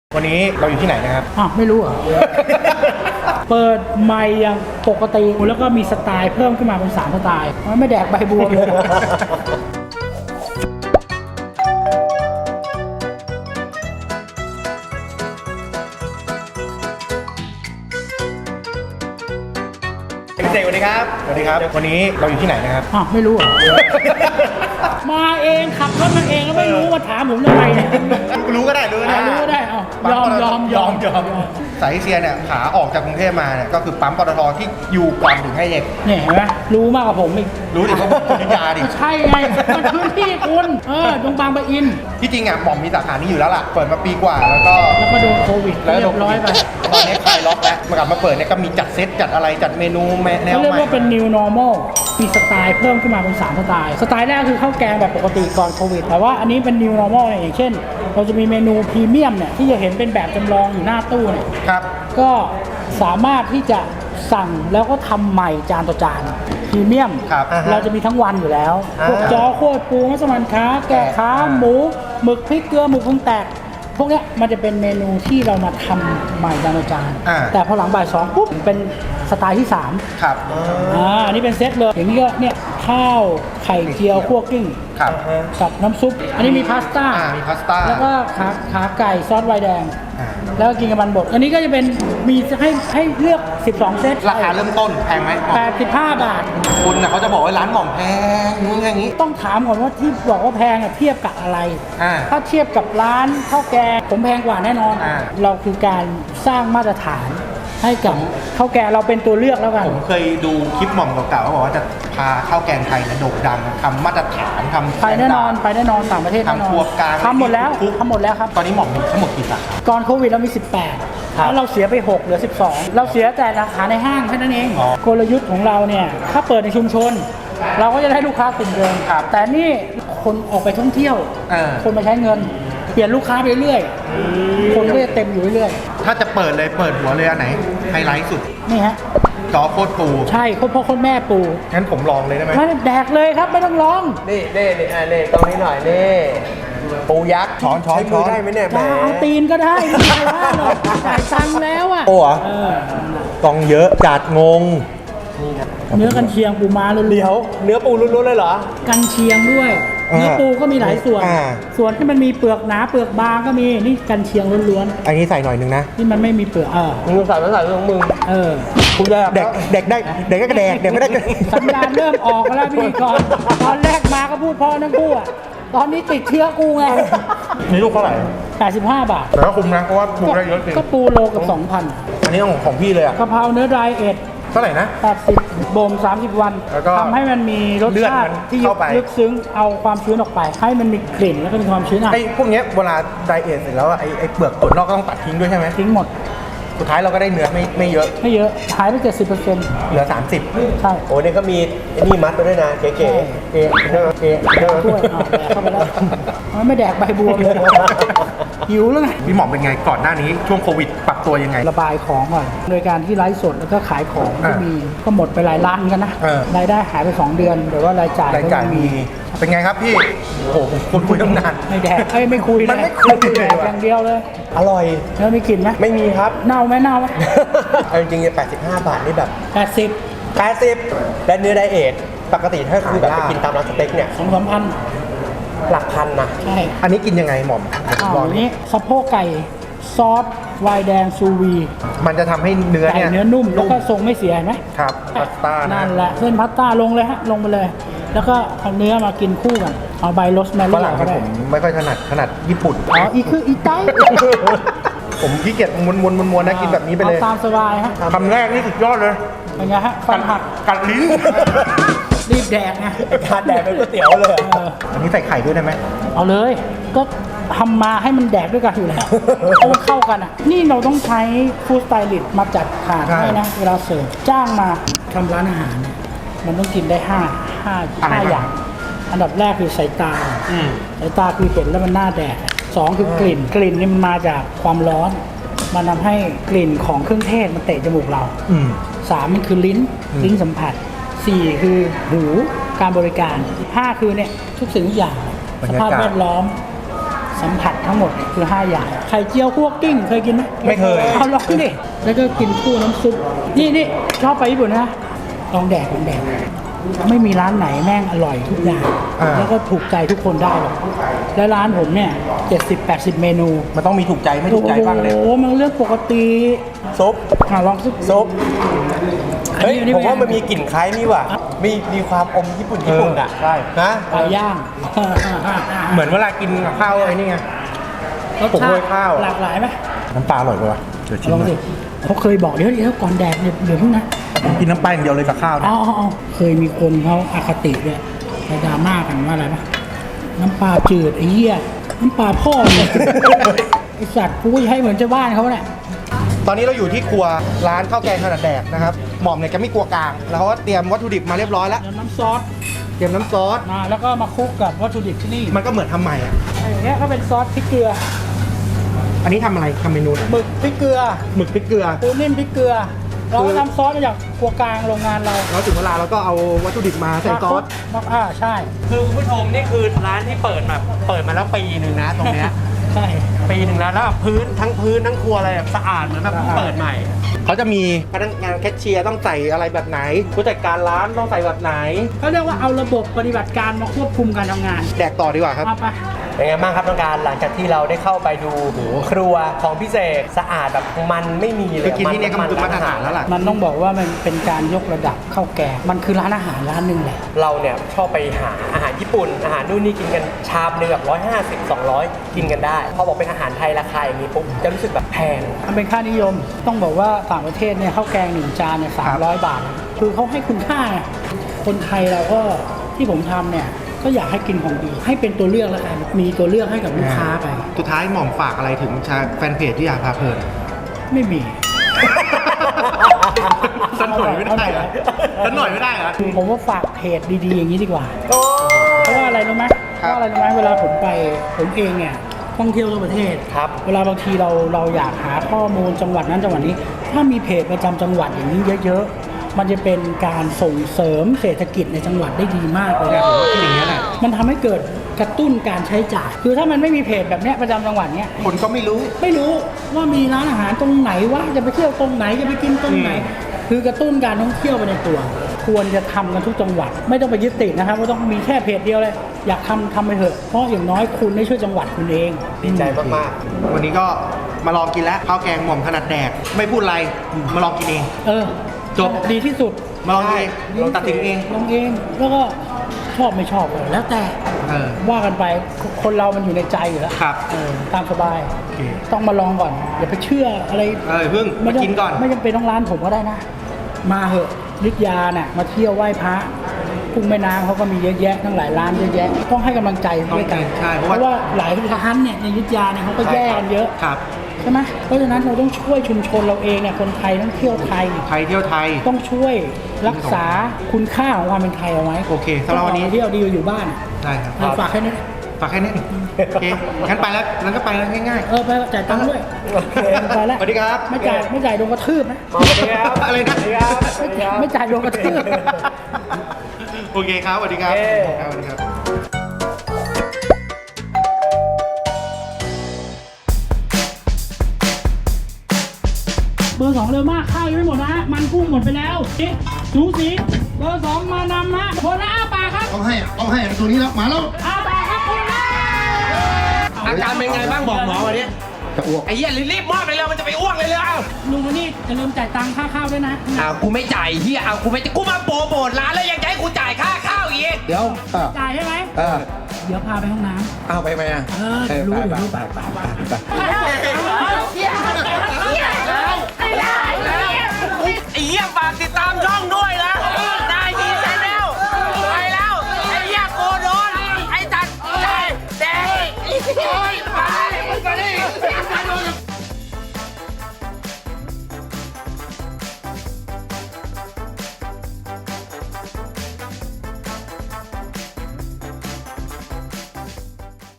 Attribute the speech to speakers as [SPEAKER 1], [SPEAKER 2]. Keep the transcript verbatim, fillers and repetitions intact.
[SPEAKER 1] วันนี้เราอยู่ที่ไหนนะครับ
[SPEAKER 2] อ้าวไม่รู้เหรอ เปิดไมค์อย่างปกติแล้วก็มีสไตล์เพิ่มขึ้นมาเป็นสามสไตล์มันไม่แดกใบบัวเลย
[SPEAKER 1] พี่เสกสวัสดีครับสวัสดีครับวันนี้เราอยู่ที่ไหนนะครับ
[SPEAKER 2] อ้าวไม่รู้เหรอ มาเองขับรถมาเองแล้วไม่รู้มาถามผมทำไมเนี่ย
[SPEAKER 1] รู้ก็ได้รู้ก็ได้
[SPEAKER 2] รู้ก็ได้อ๋อยอมยอมยอมยอม
[SPEAKER 1] สายเอเชียเนี่ยขาออกจากกรุงเทพมาเนี่ยก็คือปั๊มปตทที่อยู่ก่อนถึงให้เอก
[SPEAKER 2] เนี่ยเห็นไหมรู้มากกว่าผมอีก
[SPEAKER 1] รู้ดิเพราะคุณนิยาดิ
[SPEAKER 2] ใช่ไงมันพื้นที่คุณเออตรงบางปะอิน
[SPEAKER 1] ที่จริงอ่ะหม่อมมีสาขานี้อยู่แล้วล่ะเปิดมาปีกว่าแล้วก็
[SPEAKER 2] แล้วก็โดนโควิด
[SPEAKER 1] แล้ว
[SPEAKER 2] เรียบร้อยไป
[SPEAKER 1] ตอนนี้คลายล็อกแล้วมากลับมาเปิดเนี่ยก็มีจัดเซตจัดอะไรจัดเมนูแนวใหม่
[SPEAKER 2] เรียกว่าเป็น new normal มีสไตล์เพิ่มขึ้นมาเป็นสามสไตล์สไตล์แรกคือข้าวแกงแบบปกติก่อนโควิดแต่ว่าอันนี้เป็น new normal เนี่ยอย่างเช่นเราจะมีเมนูพรีเมียมเนี่ยที่จะเห็นเป็นแบบจำลองอยู่หน้าตู้เนี่ย
[SPEAKER 1] ครับ
[SPEAKER 2] ก็สามารถที่จะสั่งแล้วก็ทำใหม่จานต่อจานพรีเมียมเราจะมีทั้งวันอยู่แล้วพวกจอโคตรปูมัสมั่นค้าแกะขาหมูหมึกพริกเกลือหมึกพุงแตกพวกนี้มันจะเป็นเมนูที่เรามาทำใหม่จานต่อจานแต่พอหลังบ่ายสองปุ๊บเป็นสไตล์ที่สาม
[SPEAKER 1] ครับ
[SPEAKER 2] อ่าอันนี้เป็นเซตเลยอย่างนี้ก็เนี่ยข้าวไข่เจียวคั่วกลิ้งกับน้ำซุปอันนี้มีพาสต้า
[SPEAKER 1] มีพาสต้า
[SPEAKER 2] แล้วก็ขาขาไก่ซอสไวน์แดงแล้วก็กินกับมันบดอันนี้ก็จะเป็นมีให้ให้เลือกสิบสองเซต
[SPEAKER 1] ราคาเริ่มต้นแพงไหม
[SPEAKER 2] แปดสิบห้าบาท
[SPEAKER 1] คุณน่ะเขาจะบอกว่าร้านหม่อมแพงนู้นอย่างนี้
[SPEAKER 2] ต้องถามก่อนว่าที่บอกว่าแพงเทียบกับอะไรถ้าเทียบกับร้านข้าวแกงผมแพงกว่าแน่นอนเราคือการสร้างมาตรฐานให้กับข้าวแกงเราเป็นตัวเลือกแล้วกัน
[SPEAKER 1] ผมเคยดูคลิปหม่อมเก่าๆเขาบอกว่าจะพาข้าวแกงไทยเนี่ยโด่งดังทำมาตรฐานทำ
[SPEAKER 2] ไปแน่นอนไปแน่นอนต่างประเทศ
[SPEAKER 1] ทำครัวกลาง
[SPEAKER 2] ทำหมดแล้วทำหมดแล้วครับ
[SPEAKER 1] ตอนนี้หม่อมมีทั้งหมดกี่สาขา
[SPEAKER 2] ก่อนโควิดเรามีสิบแปดแล้วเราเสียไปหกเหลือสิบสองเราเสียแต่สาขาในห้างแค่นั้นเองกลยุทธ์ของเราเนี่ยถ้าเปิดในชุมชนเราก็จะได้ลูกค้ากลุ่มเดิมแต่นี่คนออกไปท่องเที่ยวคนมาใช้เงินเปลี่ยนลูกค้าไปเรื่อยคนก็จะเต็มอยู่เรื่อย
[SPEAKER 1] ถ้าจะเปิดเลยเปิดหัวเลยอันไหนไฮไลท์สุด
[SPEAKER 2] นี่ฮะ
[SPEAKER 1] จอโคตรปู
[SPEAKER 2] ใช่โคตรพ่อโคตรแม่ปู
[SPEAKER 1] งั้นผมลองเลยได้ไหม
[SPEAKER 2] ไม่แดกเลยครับไม่ต้องลอง
[SPEAKER 3] นี่นี่นี่อ่านี่ตรงนี้หน่อยนี่ปูยักษ์
[SPEAKER 1] ช้อนช้อนช้อน
[SPEAKER 3] ได้ไหมเนี่ยแหม
[SPEAKER 2] เอาตีนก็ได้ไม่ใช่ว่าหรอกจ่ายตังค์แล้วอ่ะ
[SPEAKER 1] โอ้เหรอตองเยอะจัดงง
[SPEAKER 2] เนื้อกันเชียงปูม้าล้วนๆ
[SPEAKER 3] เดี๋ยวเนื้อปูล้วนๆเลยเหรอ
[SPEAKER 2] กันเชียงด้วยเนื้อปูก็มีหลายส่วนส่วนที่มันมีเปลือกหนาเปลือกบางก็มีนี่กันเชียงล้วน
[SPEAKER 1] ๆอันนี้ใส่หน่อยนึงนะ
[SPEAKER 2] ที่มันไม่มีเปลือกเออ
[SPEAKER 3] มึงใส่ไม่ใส่ของมึง
[SPEAKER 2] เออ
[SPEAKER 3] คุณแดก
[SPEAKER 1] เด็กเด็กได้เด็กก็แดกเด็กไม่ได้
[SPEAKER 2] สัญญาณเริ่มออกแล้วพี่ก่อนตอนแรกมาก็พูดพ่อทั้งคู่อ่ะตอนนี้ติดเชื้อกูไง
[SPEAKER 1] นี่ลูกเท่าไหร่
[SPEAKER 2] แปดสิบห้าบาท
[SPEAKER 1] แต่ก็คุ้มนะเพราะว่าปูได้เยอะจริง
[SPEAKER 2] ก็ปูโลกับสองพัน
[SPEAKER 1] อันนี้ของของพี่เลยอ่ะ
[SPEAKER 2] กะเพราเนื้อดรายเอ็ด
[SPEAKER 1] เท่าไหร่นะ
[SPEAKER 2] แปดสิบบ่มสามสิบวันทำให้มันมีรสชาติที่ลึกซึ้งเอาความชื้นออกไปให้มันมีกลิ่นแล้วก็มีความชื้นอ่ะ
[SPEAKER 1] ไอ้พวกนี้เวลาไดเอทเสร็จแล้วไอ้ไอ้เปลือกส่วนนอกก็ต้องตัดทิ้งด้วยใช่ไหม
[SPEAKER 2] ทิ้งหมด
[SPEAKER 1] สุดท้ายเราก็ได้เนื้อไม่ไม่เยอะ
[SPEAKER 2] ไม่เยอะหายไปเจ็ดสิบเปอร์เซ็นต์
[SPEAKER 1] เหลือสามสิบ
[SPEAKER 2] ใช่
[SPEAKER 3] โอ้เนี่ยก็มีไอ้นี่มัดไปด้วยนะเก๋ๆเก๋
[SPEAKER 2] เก๋เก๋ช่วยเข้าไปแล้วมันไม่แดกใบบัวเลยหิวแล้วไง
[SPEAKER 1] พี่หม่อมเป็นไงก่อนหน้านี้ช่วงโควิดปรับตัวยังไง
[SPEAKER 2] ระบายของก่อนโดยการที่ไลฟ์สดแล้วก็ขายของที่มีก็หมดไปหลายล้านกันนะรายได้หายไปสองเดือนแต่ว่ารายจ่าย
[SPEAKER 1] รายจ่ายมีเป็นไงครับพี่โอ้โหคุณคุยตั้งนาน
[SPEAKER 2] ไม่แดกเอ้ยไม่คุยเลย
[SPEAKER 1] มันไม่คุยเลย
[SPEAKER 2] อย่างเดียวเลย
[SPEAKER 3] อร่อย
[SPEAKER 2] แล้วมีกลิ่นไหม
[SPEAKER 3] ไม่มีครับ
[SPEAKER 2] เน่าไหมเน่าไหม
[SPEAKER 3] เอาจริงๆแปดสิบห้าบาทนี่แบบ
[SPEAKER 2] แปดสิบ
[SPEAKER 3] แปดสิบและเนื้อไดเอทปกติถ้าคือแบบไปกินตามร้านสเต็กเนี่ย
[SPEAKER 2] สองสามพัน
[SPEAKER 3] หลักพันนะ
[SPEAKER 2] ใช่
[SPEAKER 1] อันนี้กินยังไงหม่อม
[SPEAKER 2] ลองนี้สะโพกไก่ซอสไวน์แดงซูวี
[SPEAKER 1] มันจะทำให้เนื้อเนี่ย
[SPEAKER 2] เนื้อนุ่มแล้วก็ทรงไม่เสียไหม
[SPEAKER 1] ครับพาสต้า
[SPEAKER 2] นั่นแหละเส้นพาสต้าลงเลยฮะลงไปเลยแล้วก็เอาเนื้อมากินคู่กันเอาใบโรสแมรี่
[SPEAKER 1] ก็ได้ผมไม่ค่อยถนัดถนัดญี่ปุ่น
[SPEAKER 2] อ๋ออีคืออีไต
[SPEAKER 1] ผมขี้เกียจม้วนม้วนม้วนนะกินแบบนี้ไปเลย
[SPEAKER 2] ตามสบายฮะ
[SPEAKER 1] คำแรกนี่สุดยอดเลย
[SPEAKER 2] เป็นไงฮะฟันหัก
[SPEAKER 1] กัดลิ้น
[SPEAKER 2] รีบแดกไง
[SPEAKER 3] การแดกเป็นก๋วยเตี๋ยวเลย
[SPEAKER 1] อันนี้ใส่ไข่ด้วยได้ไหม
[SPEAKER 2] เอาเลยก็ทำมาให้มันแดกด้วยกันอยู่แล้วเพราะมันเข้ากันอ่ะนี่เราต้องใช้ฟู้ดสไตลิสต์มาจัดถาดให้นะเวลาเสิร์ฟจ้างมาทำร้านอาหารเนี่ยมันต้องกินได้ห้าห้าห้าอย่างอันดับแรกคือสายตาสายตาคือเห็นแล้วมันน่าแดกสองคือกลิ่นกลิ่นนี่มันมาจากความร้อนมันทำให้กลิ่นของเครื่องเทศมันเตะจมูกเราสามมันคือลิ้นลิ้นสัมผัสสี่คือหูการบริการห้าคือเนี่ยทุกสิ่งทุกอย่างสภาพแวดล้อมสัมผัสทั้งหมดเนี่ยคือห้าอย่างไข่เจียวคั่วกิ้งเคยกินไหม
[SPEAKER 1] ไม่เคย
[SPEAKER 2] เอาลองดิแล้วก็กินคู่น้ำซุปนี่นี่ชอบไปญี่ปุ่นนะลองแดกลองแดกไม่มีร้านไหนแม่งอร่อยทุกอย่าง
[SPEAKER 1] อ่า
[SPEAKER 2] แล้วก็ถูกใจทุกคนได้หรอกและร้านผมเนี่ยเจ็ดสิบแปดสิบเมนู
[SPEAKER 1] มันต้องมีถูกใจไม่ถูกใจบ้างเลย
[SPEAKER 2] โอ้โหมันเรื่องปกติ
[SPEAKER 3] ซุป
[SPEAKER 2] อ่ะลองซุป
[SPEAKER 3] ซุป
[SPEAKER 2] อัน
[SPEAKER 3] เฮ้ย
[SPEAKER 2] นี้อันนี้
[SPEAKER 3] ผมว่า
[SPEAKER 2] เป็
[SPEAKER 3] มัน
[SPEAKER 2] นไง
[SPEAKER 3] มีกลิ่นคล้ายนี่ว่ะมีมีความอมญี่ปุ่นญี่ปุ่นอ่ะ
[SPEAKER 1] เออใช่
[SPEAKER 3] นะ
[SPEAKER 2] ปลาย่าง
[SPEAKER 1] เหมือนเวลากินกับข้าวไอ้นี่ไง
[SPEAKER 2] รส
[SPEAKER 1] ผม
[SPEAKER 2] ชา
[SPEAKER 1] โร
[SPEAKER 2] ติ
[SPEAKER 1] ยข้าว
[SPEAKER 2] หลากหลายไหม
[SPEAKER 1] น้ำปลาอร่อยกว่าเดี๋ยวชิม
[SPEAKER 2] ลอง
[SPEAKER 1] หน่
[SPEAKER 2] สิ
[SPEAKER 1] อย
[SPEAKER 2] เขาเคยบอกเดี๋ยวเดี๋ยวก่อนแดกเดี๋ยวเดี๋ยวเพิ่งนะ
[SPEAKER 1] ผมกินน้ำปลาอย่างเดียวเลยกับข้าวนะ
[SPEAKER 2] อ๋ออ๋ออ๋อเคยมีคนเขาอคติเนี่ยไปดราม่ากันว่าอะไรปะน้ำปลาจืดไอ้เหี้ยน้ำปลาพ่อเนี่ย ไอสัตว์กูจะให้เหมือนเจ้าบ้านเขาเนี่ย
[SPEAKER 1] ตอนนี้เราอยู่ที่ครัวร้านข้าวแกงขนาดแดกนะครับหม่อมเนี่ยแกไม่กลัวกลางแล้วเขาก็เตรียมวัตถุดิบมาเรียบร้อยแล้ว
[SPEAKER 2] เดี๋ยวน้ำซอส
[SPEAKER 1] เตรียมน้ำซอส
[SPEAKER 2] มาแล้วก็มาคลุกกับวัตถุดิบที่นี่
[SPEAKER 1] มันก็เหมือนทำใหม่อ่ะ
[SPEAKER 2] ไอ้เนี้ยก็เป็นซอสพริกเกลือ
[SPEAKER 1] อันนี้ทำอะไรทำเมนูไหน
[SPEAKER 2] หมึกพริกเกลือ
[SPEAKER 1] หมึกพริกเกลือ
[SPEAKER 2] ปูนิ่มพริกเกลือเราก็ทำซอสมาจากครัวกลางโรงงานเรา
[SPEAKER 1] แล้วถึงเวลาเราก็เอาวัตถุดิบมาใส่ซอส
[SPEAKER 2] มาอ่าใช่
[SPEAKER 3] คือคุณผู้ชมนี่คือร้านที่เปิดมาเปิดมาแล้วปีหนึ่งนะตรงเนี้ย
[SPEAKER 2] ใช่
[SPEAKER 3] ปีหนึ่งแล้วแล้วพื้นทั้งพื้นทั้งครัวอะไรแบบสะอาดเหมือนแบบเพิ่งเปิดใหม่
[SPEAKER 1] เขาจะมีพนักงานแคชเชียร์ต้องใส่อะไรแบบไหนผู้จัดการร้านต้องใส่แบบไหน
[SPEAKER 2] เขาเรียกว่าเอาระบบปฏิบัติการมาควบคุมการทำงาน
[SPEAKER 1] แดกต่อดีกว่าครับ
[SPEAKER 2] เอาไป
[SPEAKER 3] เป็นไงบ้างครับน้องการหลังจากที่เราได้เข้าไปดูครัวของพี่เสกสะอาดแบบมันไม่มีเลย
[SPEAKER 1] ไปกินที่เนี่ยก็มันคือมาตรฐานแล้วล่ะ
[SPEAKER 2] มันต้องบอกว่ามันเป็นการยกระดับข้าวแกงมันคือร้านอาหารร้านหนึ่งแหละ
[SPEAKER 3] เราเนี่ยชอบไปหาอาหารญี่ปุ่น อาหารนู่นนี่กินกันชามหนึงแบบร้อยห้าสิบสองร้อยกินกันได้พอบอกเป็นอาหารไทยราคาอย่างนี้ปุ๊บจะรู้สึกแบบแพง
[SPEAKER 2] มันเป็นค่านิยม ต้องบอกว่าต่างประเทศเนี่ยข้าวแกงหนึ่งจานเนี่ยสามร้อยบาท คือเขาให้คุณค่าไงคนไทยเราก็ที่ผมทำเนี่ยก็อยากให้กินของดีให้เป็นตัวเลือกแล้วกันมีตัวเลือกให้กับลูกค้าไป
[SPEAKER 1] สุดท้ายหม่อมฝากอะไรถึงชาแฟนเพจที่อยากพาเพลิน
[SPEAKER 2] ไม่มี
[SPEAKER 1] สันหน่อยไม่ได้เหรอสันหน่อยไม่ได้เหรอ
[SPEAKER 2] ผมว่าฝากเพจดีๆอย่างนี้ดีกว่า
[SPEAKER 3] โอ้
[SPEAKER 2] เพราะว่าอะไรรู้ไหมเพ
[SPEAKER 1] ครับ
[SPEAKER 2] ราะว่าอะไรรู้ไหมเวลาผมไปผมเองเนี่ยท่องเที่ยวทั่วประเทศ
[SPEAKER 3] ครับ
[SPEAKER 2] เวลาบางทีเราเราอยากหาข้อมูลจังหวัดนั้นจังหวัดนี้ ถ้ามีเพจประจำจังหวัดอย่างนี้เยอะๆ มันจะเป็นการส่งเสริมเศรษฐกิจในจังหวัดได้ดีมากเลย
[SPEAKER 1] เนี่ยผมว่าที่อย่างนี้ยแหละ
[SPEAKER 2] มันทำให้เกิดกระตุ้นการใช้จ่าย คือถ้ามันไม่มีเพจแบบเนี้ยประจำจังหวัดเนี้ย
[SPEAKER 1] คนก็ไม่รู้
[SPEAKER 2] ไม่รู้ว่ามีร้านอาหารตรงไหนว่าจะไปเที่ยวตรงไหนจะไปกินตรงไหน
[SPEAKER 1] อืม
[SPEAKER 2] คือกระตุ้นการท่องเที่ยวไปในตัว ควรจะทำกันทุกจังหวัด ไม่ต้องไปยึดติดนะครับว่าต้องมีแค่เพจเดียวเลย อยากทำทำไปเถอะเพราะอย่างน้อยคุณได้ช่วยจังหวัดคุณเอง
[SPEAKER 3] ดีใจมาก
[SPEAKER 1] วันนี้ก็มาลองกินแล้วข้าวแกงหม่อมขนาดแดก ไม่พูดอะไรมาลองกินเอง
[SPEAKER 2] เออ
[SPEAKER 1] จบ
[SPEAKER 2] ดีที่สุด
[SPEAKER 1] มาลองกินเองลองตัดสินเอง
[SPEAKER 2] ลองเองแล้วก็ชอบไม่ชอบเลยแล้วแต่
[SPEAKER 1] เออ
[SPEAKER 2] ว่ากันไปคนเรามันอยู่ในใจอยู่แล้ว
[SPEAKER 1] ครับ
[SPEAKER 2] เออตามสบาย
[SPEAKER 1] โอเค
[SPEAKER 2] ต้องมาลองก่อนอย่าไปเชื่ออะไร
[SPEAKER 1] เออเพิ่งมากินก่อน
[SPEAKER 2] ไม่จำเป็นต้องร้านผมก็ได้นะ มาเหอะนิทยาน่ะมาเที่ยวไหว้พระกุ้งแม่น้ำเขาก็มีเยอะแยะทั้งหลายร้านเยอะแยะ ต้องให้กำลังใจด้วยกัน
[SPEAKER 1] ใช่เพ
[SPEAKER 2] เพ
[SPEAKER 1] ราะว่า
[SPEAKER 2] ราะว่าหลายร้านเนี่ยในอยุทธยาเนี่ยเขาก็แย่กันเยอะ
[SPEAKER 1] ครับ
[SPEAKER 2] ใช่ไหมเพราะฉะนั้นเราต้องช่วยชุมชนเราเองเนี่ยคนไทยต้องเที่ยวไทย
[SPEAKER 1] ไทยเที่ยวไทย
[SPEAKER 2] ต้องช่วยรักษาคุณค่าของความเป็นไทยเอาไว้
[SPEAKER 1] โอเคสำหรับวันนี้
[SPEAKER 2] ต้องออกไปเที่ยวดีกว่าอยู่บ้าน
[SPEAKER 1] ได้ครับ
[SPEAKER 2] เอาฝากแค่นี้
[SPEAKER 1] ฝากแค่นี้โอเคงั้นไปแล้วงั้นก็ไปแล้วง่าย
[SPEAKER 2] เออไปจ่ายตังค์ด้วย
[SPEAKER 3] โอเค
[SPEAKER 2] ไปแล้ว
[SPEAKER 1] สวัสดีครับ
[SPEAKER 2] ไม่จ่ายไม่จ่ายโดนกระทืบนะ
[SPEAKER 3] ๆสวัสดีครับ
[SPEAKER 1] อะไรนะ
[SPEAKER 3] สวัสดีครับ
[SPEAKER 2] ไม่จ่ายไม่จ่ายโดนกระทืบ
[SPEAKER 1] โอเคครับสวัสดีครับ
[SPEAKER 3] โอเค
[SPEAKER 1] ครับสวัสดีครับ
[SPEAKER 2] เบอร์สองเร็วมากข้าวยังไม่หมดนะฮะมันกุ้งหมดไปแล้วเอ๊ะสูสีเบอร์สองมานำฮะคนละอ้าปากครับ
[SPEAKER 4] ต้องให้อะต้องให้อะตัวนี้แล้วมาแล้ว
[SPEAKER 2] อ้าปากครับคนละ
[SPEAKER 3] อาการเป็นไงบ้างบอกหมอวันนี้
[SPEAKER 4] จะอ้วก
[SPEAKER 3] ไอ้เหี้ยรีบๆมอบเลยเร็วมันจะไปอ้วกเลยเร็วเอา
[SPEAKER 2] ลุงคนนี้จะลืมจ่ายตังค่าข้าวด้วยนะ
[SPEAKER 5] อ้าวกูไม่จ่ายเฮียอ้าวกูไม่กูมาโปรโมทร้านแล้วยังจะให้กูจ่ายค่าข้าวอีก
[SPEAKER 4] เดี๋ยวเออ
[SPEAKER 2] จ่ายใช่ไหม
[SPEAKER 4] เออ
[SPEAKER 2] เดี๋ยวพาไปห้องน้
[SPEAKER 4] เอาไปไหมอ่ะ
[SPEAKER 2] ำเออเดี๋ยวรู้เดี๋ยวรู้
[SPEAKER 4] ไปไปไปไป
[SPEAKER 5] ไอ้เหี้ยฝากติดตามช่องนู้น